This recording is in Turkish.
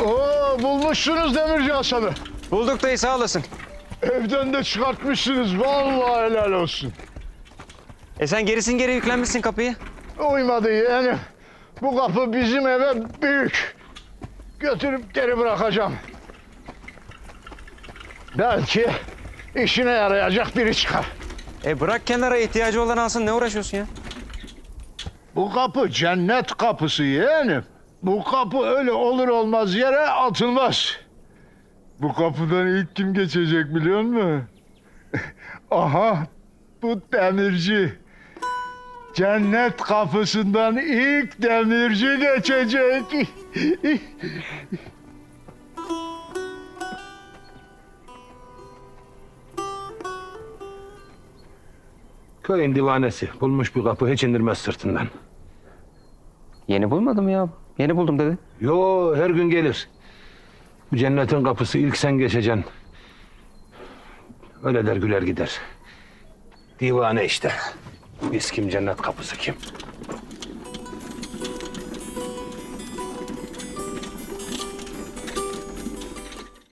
Oo, bulmuşsunuz Demirci Hasan'ı. Bulduk dayı, sağ olasın. Evden de çıkartmışsınız. Vallahi helal olsun. Sen gerisin geri yüklenmişsin kapıyı. Uymadı yeğenim. Bu kapı bizim eve büyük. Götürüp geri bırakacağım. Belki işine yarayacak biri çıkar. Bırak kenara, ihtiyacı olan alsın, ne uğraşıyorsun ya? Bu kapı cennet kapısı yeğenim. Bu kapı öyle olur olmaz yere atılmaz. Bu kapıdan ilk kim geçecek biliyor musun? Aha, bu demirci. Cennet kapısından ilk demirci geçecek. Köyün divanesi bulmuş bir kapı hiç indirmez sırtından. Yeni bulmadım ya. Yeni buldum dedi. Yo, her gün gelir. Bu cennetin kapısı ilk sen geçeceksin. Öyle der güler gider. Divane işte. Biz kim, cennet kapısı kim?